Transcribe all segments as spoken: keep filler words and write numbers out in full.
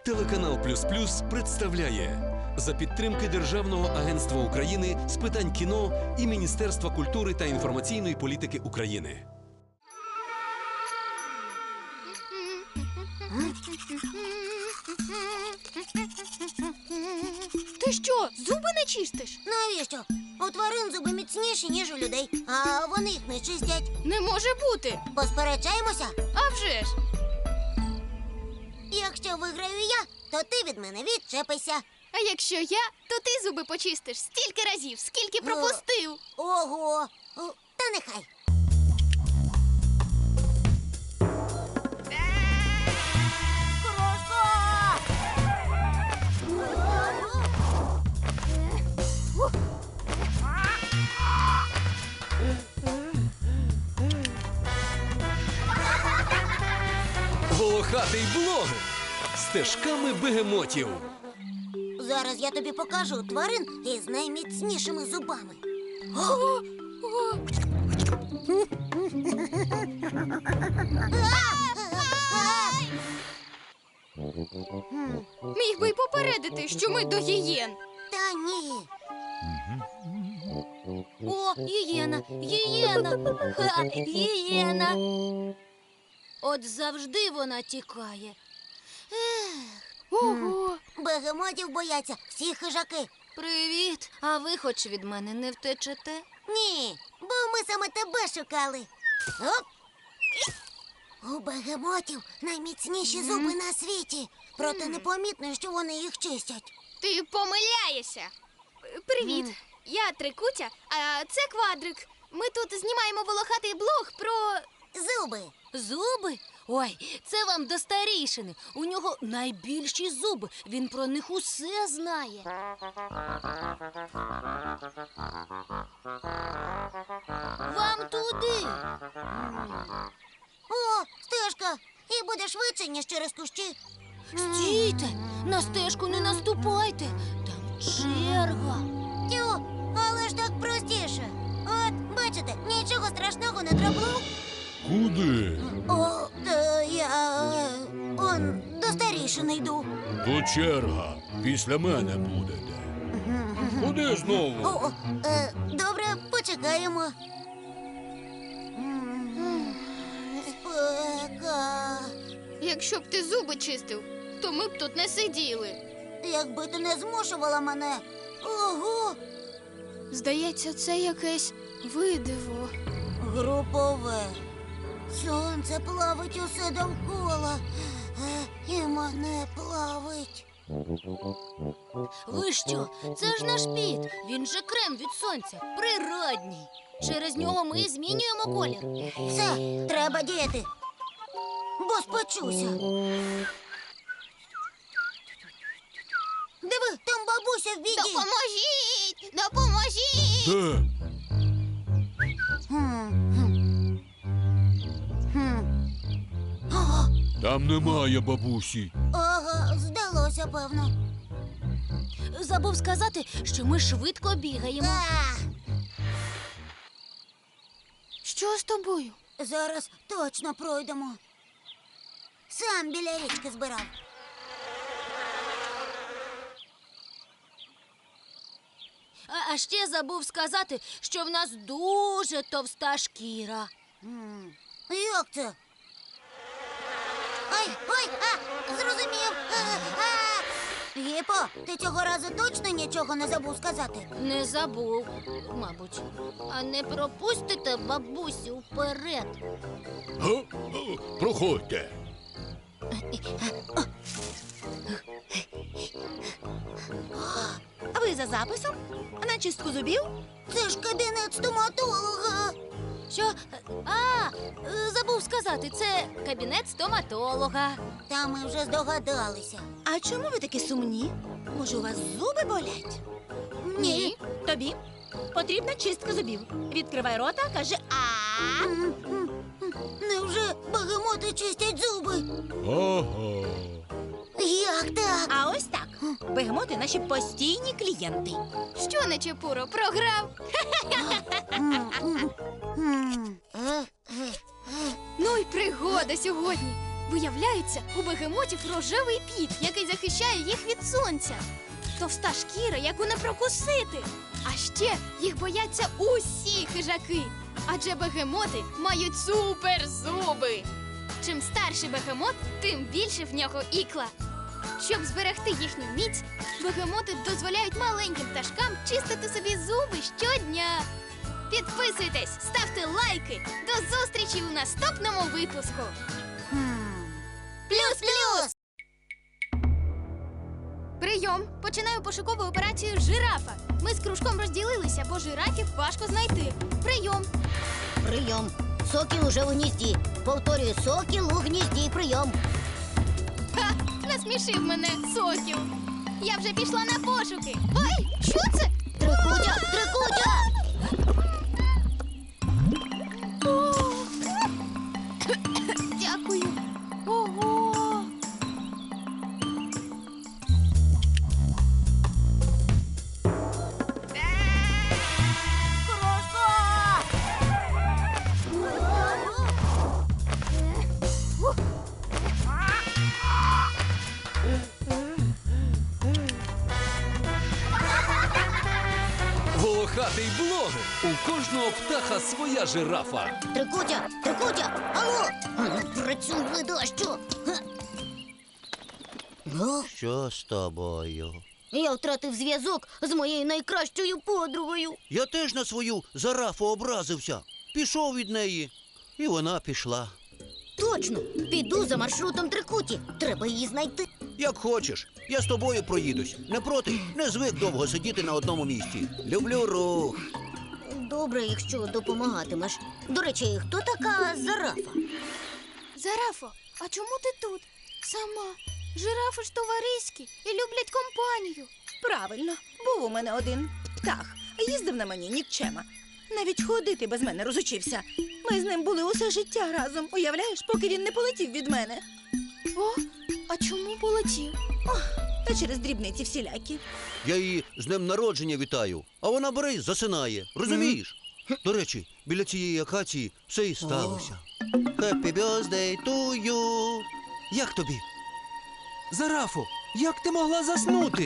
Телеканал Плюс Плюс представляє за підтримки Державного агентства України з питань кіно і Міністерства культури та інформаційної політики України. Ти що, зуби не чистиш? Навіщо? У тварин зуби міцніші, ніж у людей, а вони їх не чистять. Не може бути. Посперечаємося? А вже ж. Якщо виграю я, то ти від мене відчепися. А якщо я, то ти зуби почистиш стільки разів, скільки пропустив. Ого! О, та нехай. Крошка! Волохатий блог стежками бегемотів. Зараз я тобі покажу тварин із найміцнішими зубами. О, о. Міг би й попередити, що ми до гієн. Та ні. О, гієна, гієна, ха, гієна. От завжди вона тікає. Ого. Бегемотів бояться всі хижаки. Привіт. А ви хоч від мене не втечете? Ні, бо ми саме тебе шукали. Оп! У бегемотів найміцніші зуби на світі. Проте непомітно, що вони їх чистять. Ти помиляєшся. Привіт. Я Трикутя, а це Квадрик. Ми тут знімаємо волохатий блог про... Зуби. Зуби? Ой, це вам до старійшини. У нього найбільші зуби. Він про них усе знає. Вам туди. О, стежка. І буде швидше, ніж через кущі. Стійте, на стежку не наступайте. Там черга. Тю, але ж так простіше. От, бачите, нічого страшного не трапло. Куди? О, та я... е, Он, до старішини йду. То черга. Після мене будете. Куди знову? О, е, добре, почекаємо. М, Спека. Якщо б ти зуби чистив, то ми б тут не сиділи. Якби ти не змушувала мене. Ого, Здається, це якесь видиво. групове. Сонце плавить усе довкола. Е, І мене плавить. Ви що? Це ж наш піт. Він же крем від сонця. Природній. Через нього ми змінюємо колір. Все, треба діяти. Бо спечуся. Диви, там бабуся в біді. Допоможіть! Допоможіть! Де? Хм, хм. Хм. Ага, Там немає бабусі. ага, здалося, певно. Забув сказати, що ми швидко бігаємо. А, Що з тобою? зараз точно пройдемо. Сам біля річки збирав. А, а ще забув сказати, що в нас дуже товста шкіра. М, Як це? Ой, ой, а, зрозумів. А, а. Гіпо, ти цього разу точно нічого не забув сказати? Не забув, мабуть. А не пропустите бабусю вперед. Га? О, проходьте. А ви за записом? На чистку зубів? Це ж кабінет стоматолога. Що? А, е, забув сказати, це кабінет стоматолога. Та ми вже здогадалися. А чому ви такі сумні? Може, у вас зуби болять? Ні. Тобі потрібна чистка зубів. Відкривай рота, кажи а. М, м, м. Невже бегемоти чистять зуби? Ага. Як так? А ось так. Бегемоти наші постійні клієнти. Що, Нечепуро, програв? М, м, м. Е, е, е. Ну й пригода сьогодні. Виявляється, у бегемотів рожевий піт, який захищає їх від сонця. Товста шкіра, яку не прокусити. А ще їх бояться усі хижаки. Адже бегемоти мають суперзуби. Чим старший бегемот, тим більше в нього ікла. Щоб зберегти їхню міць, бегемоти дозволяють маленьким пташкам чистити собі зуби щодня. Підписуйтесь, ставте лайки. До зустрічі у наступному випуску. Плюс-плюс! Прийом! Починаю пошукову операцію жирафа. Ми з кружком розділилися, бо жирафів важко знайти. Прийом! Прийом. Сокіл уже в гнізді. Повторюю, сокіл у гнізді. Прийом. Ха! Насмішив мене сокіл. Я вже пішла на пошуки. Ой, що це? Трикутя, трикутя! О! Дякую. Ого! Волохатий блогер. У кожного птаха своя жирафа. Трикутя, трикутя! Алло! Працюй, ледащу! О, Що з тобою? я втратив зв'язок з моєю найкращою подругою. Я теж на свою зарафу образився. Пішов від неї, і вона пішла. Точно, піду за маршрутом Трикуті. Треба її знайти. Як хочеш, я з тобою проїдусь. Не проти, не звик довго сидіти на одному місці. Люблю рух. Добре, якщо допомагатимеш. До речі, хто така Зарафа? Зарафо, а чому ти тут? Сама. Жирафи ж товариські і люблять компанію. Правильно, був у мене один птах. Їздив на мені нікчема. Навіть ходити без мене розучився. Ми з ним були усе життя разом, уявляєш, поки він не полетів від мене. О, а чому полетів? Та через дрібниці всілякі. Я її з днем народження вітаю, а вона бере й засинає. Розумієш? До речі, біля цієї акації все і сталося. Happy birthday to you. Як тобі? Зарафо, як ти могла заснути?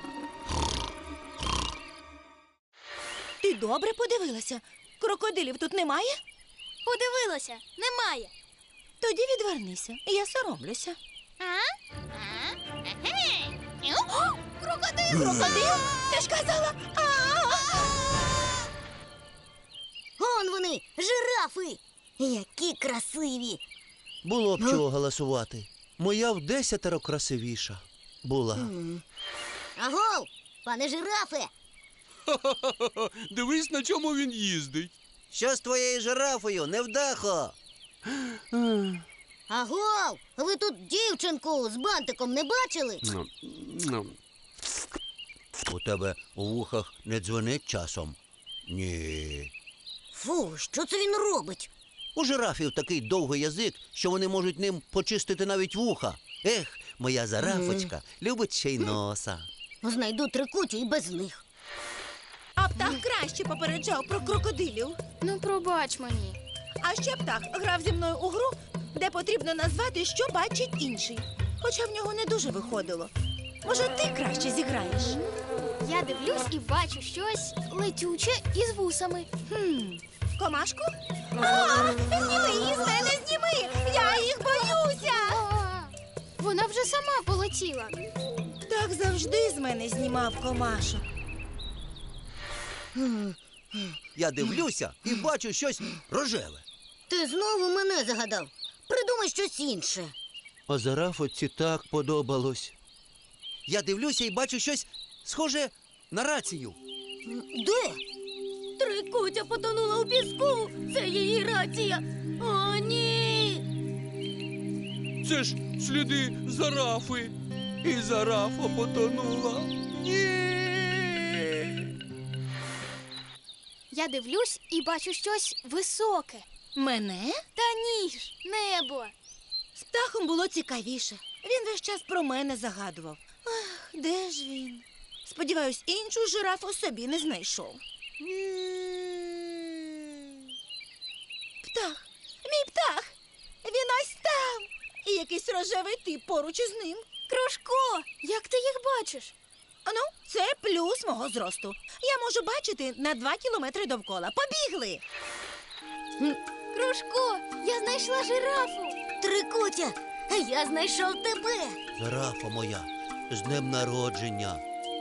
Ти добре подивилася? Крокодилів тут немає? Подивилася, немає. Тоді відвернися, я соромлюся. А? А? Егей! О, крокодил! Крокодил? Ти ж казала. Он вони, жирафи! Які красиві! Було б чого голосувати. Моя в десятеро красивіша була. Агов, пане жирафе! Дивись, на чому він їздить. Що з твоєю жирафою, невдахо? Агов, ви тут дівчинку з бантиком не бачили? У тебе у вухах не дзвонить часом? Ні. Фу, що це він робить? У жирафів такий довгий язик, що вони можуть ним почистити навіть вуха. Ех, моя зарафочка любить ще й носа. Знайду Трикутю і без них. А птах краще попереджав про крокодилів. Ну, пробач мені. А ще птах грав зі мною у гру, де потрібно назвати, що бачить інший. Хоча в нього не дуже виходило. Може, ти краще зіграєш? Я дивлюсь і бачу щось летюче із вусами. Хм, комашку? А, зніми її з мене, зніми! Я їх боюся! А, вона вже сама полетіла. Так завжди з мене знімав комашок. Я дивлюся і бачу щось рожеве. Ти знову мене загадав. Придумай щось інше. А зарафоці так подобалось. Я дивлюся і бачу щось схоже на рацію. Де? Трикутя потонула у піску. Це її рація. О, ні! Це ж сліди зарафи. І зарафа потонула. Ні. Я дивлюсь і бачу щось високе. Мене? Та ні ж, небо. З птахом було цікавіше. Він весь час про мене загадував. Ах, де ж він? Сподіваюсь, іншу жирафу собі не знайшов. Птах, мій птах! Він ось там! і якийсь рожевий тип поруч із ним. Кружко, як ти їх бачиш? А ну, це плюс мого зросту. Я можу бачити на два кілометри довкола. Побігли! Кружко, я знайшла жирафу. Трикутя, а я знайшов тебе. Жирафа моя, з днем народження.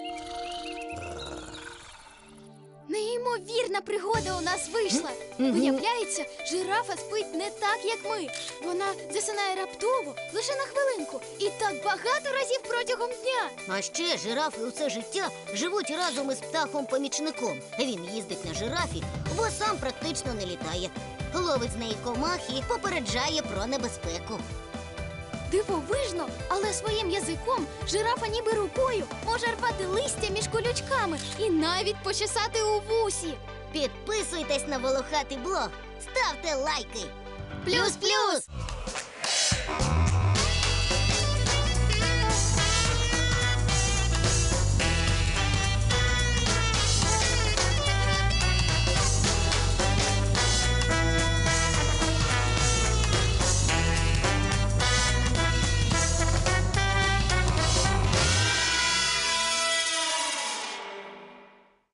Неймовірна пригода у нас вийшла. Виявляється, жирафа спить не так, як ми. Вона засинає раптово, лише на хвилинку. І так багато разів протягом дня. А ще жирафи усе життя живуть разом із птахом-помічником. Він їздить на жирафі, бо сам практично не літає. Ловить з неї комах і попереджає про небезпеку. Дивовижно, але своїм язиком жирафа ніби рукою може рвати листя між колючками і навіть почесати у вусі. Підписуйтесь на волохатий блог, ставте лайки. Плюс-плюс!